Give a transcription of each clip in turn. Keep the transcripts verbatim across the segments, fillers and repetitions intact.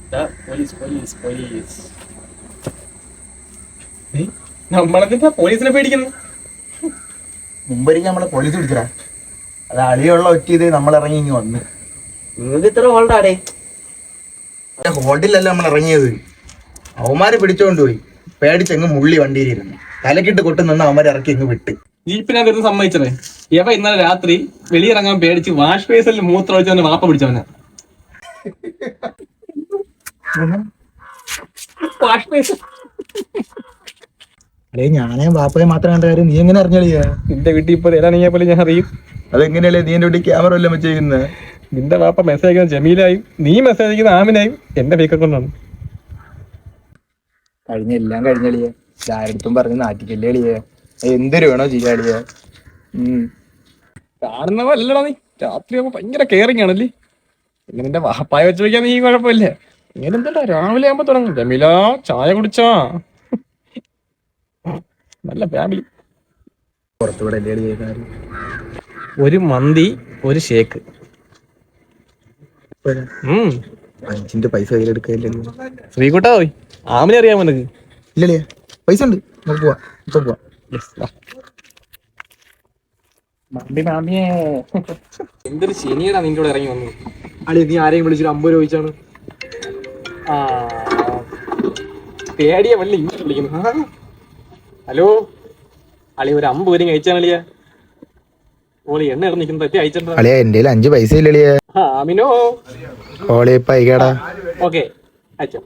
Police police police നമ്മളെന്താ പോലീസിനെ പേടിക്കുന്നു? മുമ്പൊരിക്കൽ നമ്മളെ പോലീസ് പിടിച്ചടാ. അത് അളിയുള്ള ഒറ്റ നമ്മൾ ഇറങ്ങി ഇങ്ങ് വന്ന്. നിങ്ങൾക്ക് ഇത്ര ഹോൾഡാടേ? ഹോൾഡിലല്ല നമ്മൾ ഇറങ്ങിയത്. അവന്മാര് പിടിച്ചോണ്ട് പോയി. പേടിച്ചെങ്ങ് മുള്ളി വണ്ടിയിലിരുന്നു. തലക്കിട്ട് കൊട്ടു നിന്ന് അവന്മാർ ഇറക്കി ഇങ്ങ് വിട്ട്. ജീപ്പിനകത്ത് സമ്മതിച്ചതേ ഇവ ഇന്നലെ രാത്രി വെളിയിറങ്ങാൻ പേടിച്ച് വാഷ് ബേസിൽ മൂത്രം ഒഴിച്ചവന്റെ വാപ്പ പിടിച്ചവനാ. വാഷ് ബേസ് അല്ലേ ഞാനേ ബാപ്പയെ മാത്രം കണ്ട കാര്യം നീ എങ്ങനെ അറിഞ്ഞളിയാ? നിന്റെ വീട്ടിൽ ഇപ്പൊ തരാണെങ്കിൽ പോലെ ഞാൻ അറിയും. അതെങ്ങനെയല്ലേ നീ എന്റെ വീട്ടിൽ ക്യാമറ വല്ലതും വെച്ചേക്കുന്നത്? നിന്റെ വാപ്പ മെസ്സേജ് അയക്കുന്ന ജമീലായും നീ മെസ്സേജ് അയക്കുന്ന ആമിനായും എന്റെ വീക്ക കൊണ്ടാണ്. കഴിഞ്ഞ എല്ലാം കഴിഞ്ഞളിയേ. ആരടുത്തും പറഞ്ഞ് നാട്ടിക്കല്ലേ അളിയേ. എന്തൊരു വേണോ ചെയ്യാളിയേ. ഉം കാണുന്നവല്ലടാ നീ. രാത്രിയാകുമ്പോ ഭയങ്കര കെയറിങ് ആണല്ലേ. പിന്നെ നിന്റെ വാപ്പായ വെച്ച് വയ്ക്കാൻ നീ കുഴപ്പമില്ല. ഇങ്ങനെ എന്താ രാവിലെ ആകുമ്പോ തുടങ്ങും ജമീല ചായ കുടിച്ചാ. നല്ല ഫാമിലി. പുറത്തുകൂടെ അല്ലേ ഒരു മന്തി ഒരു ഷേക്ക്. അഞ്ചിന്റെ പൈസ കയ്യിലെടുക്കല്ലേ? ശ്രീകുട്ടാ പോയി ആമിനെ അറിയാമോ നിനക്ക്? ഇല്ലല്ലേ, പൈസ ഉണ്ട്. നമുക്ക് പോവാം, ഇപ്പൊ പോവാം. എന്തൊരു ശനിയടാ നിന്റെ കൂടെ ഇറങ്ങി വന്നു. അളി നീ ആരെയും വിളിച്ചൊരു അമ്പത് രൂപ ചോദിച്ചാണ്. ആ പേടിയ വല്ല ഇങ്ങനെ വിളിക്കുന്നു. ഹലോ അളി ഒരു അമ്പത് പേരും കഴിച്ചാണ് അളിയ. ഓളി എണ്ണ ഇറ നിൽക്കുന്ന തെറ്റി അയച്ചിട്ടുണ്ടോ? അളിയാ എന്റെ അഞ്ച് പൈസ ഇല്ലളിയാ. ആമിനോ ഓളിപ്പൈകേടാ. ഓക്കെ അയച്ചോ.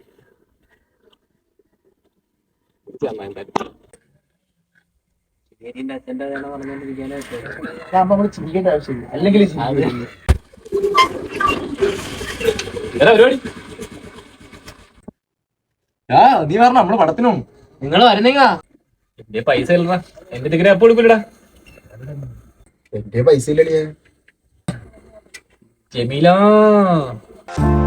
ചിന്തിക്കേണ്ട ആവശ്യമില്ല. അല്ലെങ്കിൽ നീ പറഞ്ഞ നമ്മള് പടത്തിനോ നിങ്ങൾ വരുന്നേങ്ങാ. എന്റെ പൈസ ഇല്ലടാ. എന്റെ ടിക്കറ്റ് എപ്പോ എടുക്കൂലടാ. എന്റെ പൈസ ഇല്ലളിയാ. ജമീല